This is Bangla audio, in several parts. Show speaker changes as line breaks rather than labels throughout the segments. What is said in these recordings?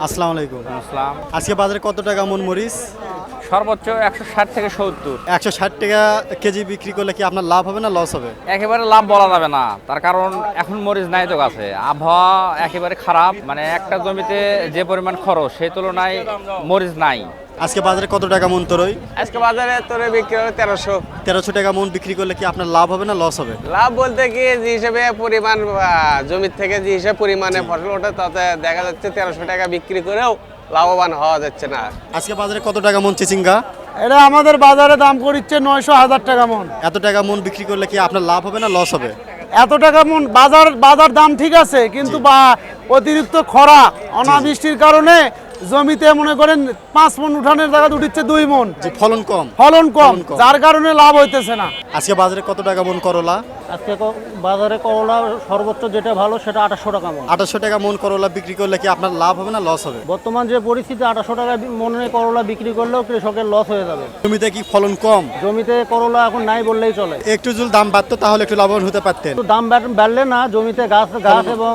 আসসালামু আলাইকুম।
আসসালাম।
আজকে বাজারে কত টাকা মন মরিচ?
সর্বোচ্চ ১৬০ থেকে ৭০।
160 টাকা কেজি বিক্রি করলে কি আপনার লাভ হবে না লস হবে?
একেবারে লাভ বলা যাবে না, তার কারণ এখন মরিচ নাই তো গাছে, আবহাওয়া একেবারে খারাপ। মানে একটা জমিতে যে পরিমাণ খরচ সেই তুলনায় মরিচ নাই।
আজকে বাজারে কত টাকা মন তরই?
আজকে বাজারে তোরে বিক্রি হবে 1300।
1300 টাকা মন বিক্রি করলে কি আপনার লাভ হবে না লস হবে?
লাভ বলতে কি যে হিসেবে পরিমাণ জমির থেকে যে হিসেবে পরিমাণে ফসল ওঠে তাতে দেখা যাচ্ছে 1300 টাকা বিক্রি করেও লাভবান হওয়া যাচ্ছে না।
আজকে বাজারে কত টাকা মন চিচিঙ্গা?
এটা আমাদের বাজারে দাম করিচ্ছে 900,000 টাকা মন।
এত টাকা মন বিক্রি করলে কি আপনার লাভ হবে না লস হবে?
এত টাকা মন বাজার দাম ঠিক আছে, কিন্তু অতিরিক্ত খরা অনাবৃষ্টির কারণে জমিতে মনে করেন 5 মন উঠানের জায়গা উঠিচ্ছে 2 মন,
যে ফলন কম।
ফলন কম,
ফলন কম।
যার কারণে লাভ হইতেছে না।
আজকে বাজারে কত টাকা মন করলা?
আজকে বাজারে করলা সর্বোচ্চ যেটা ভালো সেটা 800 টাকা মন।
800 টাকা মন করলা বিক্রি করলে কি আপনার লাভ হবে না লস হবে?
বর্তমান যে পরিস্থিতি 800 টাকা মনে করলা বিক্রি করলেও কৃষকের লস হয়ে যাবে।
জমিতে কি ফলন কম?
জমিতে করলা এখন নাই বললেই চলে।
একটু যদি দাম বাড়তো তাহলে একটু লাভবান হতে পারতেন।
তো দাম বাড়লে না, জমিতে গাছ এবং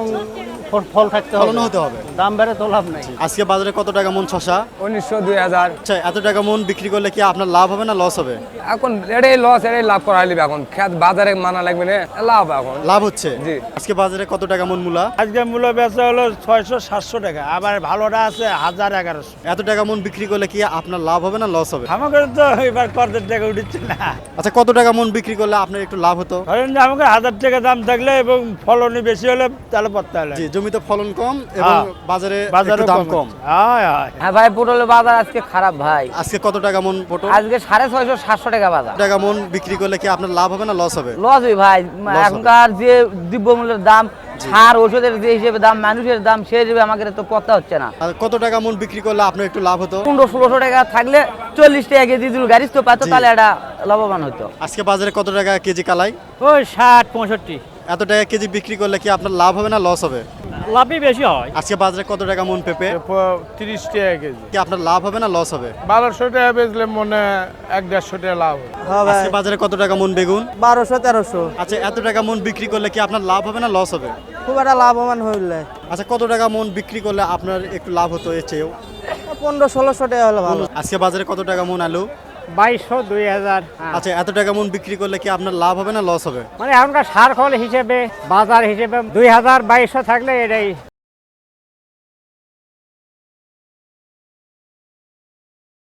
ফল থাকতে হবে,
ফলন হতে হবে।
দাম বেড়ে তো লাভ নাই।
আজকে বাজারে কত টাকা মন শশা?
1900 2000।
আচ্ছা, এত টাকা মন বিক্রি করলে কি আপনার লাভ হবে না লস হবে?
এখন এটাই লস, এটাই লাভ করা হইলে এখন খেত বাজারে মানা লাগবে না, লাভ এখন।
লাভ হচ্ছে।
জি।
আজকে বাজারে কত টাকা মন মূলা?
আজকে মূল্য বেচা হলো 600-700 টাকা, আবার ভালোটা আছে 1000-1100।
এত টাকা মন বিক্রি করলে কি আপনার লাভ হবে না লস হবে?
আমাকে তো এবার করতে টাকা উঠছে না।
আচ্ছা, কত টাকা মন বিক্রি করলে আপনার একটু লাভ হতো?
ধরেন যে আমাকে 1000 টাকা দাম থাকলে এবং ফলনই বেশি হলে তাহলে পড়তে হলে
জি, জমিতে ফলন কম এবং বাজারে
বাজারে
একটু দাম কম।
হ্যাঁ ভাই, পটলের বাজার আজকে খারাপ ভাই।
আজকে কত টাকা মন পটল?
আজকে 650-700 টাকা বাজার।
টাকা মন বিক্রি করলে কি আপনার লাভ হবে না লস হবে?
লস হয় ভাই,
হবে।
এখনকার যে দ্রব্যমূল্যের দাম, সার ওষুধের যে হিসেবে দাম, মানুষের দাম সেই হিসেবে আমাকে তো পড়তে হচ্ছে না।
আর কত টাকা মন বিক্রি করলে আপনার একটু লাভ হতো?
1500-1600 টাকা থাকলে 40 টাকা কেজি দিল গাড়ি তো পাতো,
জি।
তাহলে এটা লাভবান হতো।
আজকে বাজারে কত টাকা কেজি কালাই?
ওই 60-65।
এত টাকা কেজি বিক্রি করলে কি আপনার লাভ হবে না লস হবে?
লাভই বেশি হয়।
আজকে বাজারে কত টাকা মন পেঁপে?
30 টাকা কেজি।
কি আপনার লাভ হবে না লস হবে?
1200 টাকা বেচলে মনে 1-150 টাকা লাভ হবে।
আজকে বাজারে কত টাকা মন বেগুন?
1200-1300।
আচ্ছা, এত টাকা মন বিক্রি করলে কি আপনার লাভ হবে না লস হবে?
খুব একটা লাভবান হইলে
আচ্ছা, কত টাকা মন বিক্রি করলে আপনার একটু লাভ হতো এর চেয়েও?
1500-1600 টাকা হলে ভালো।
আজকে বাজারে কত টাকা মন আলু?
2200-2000।
আচ্ছা, এত টাকা মন বিক্রি করলে কি আপনার লাভ হবে না লস হবে?
মানে এখনকার সার খল হিসেবে বাজার হিসেবে 2000-2200 থাকলে এটাই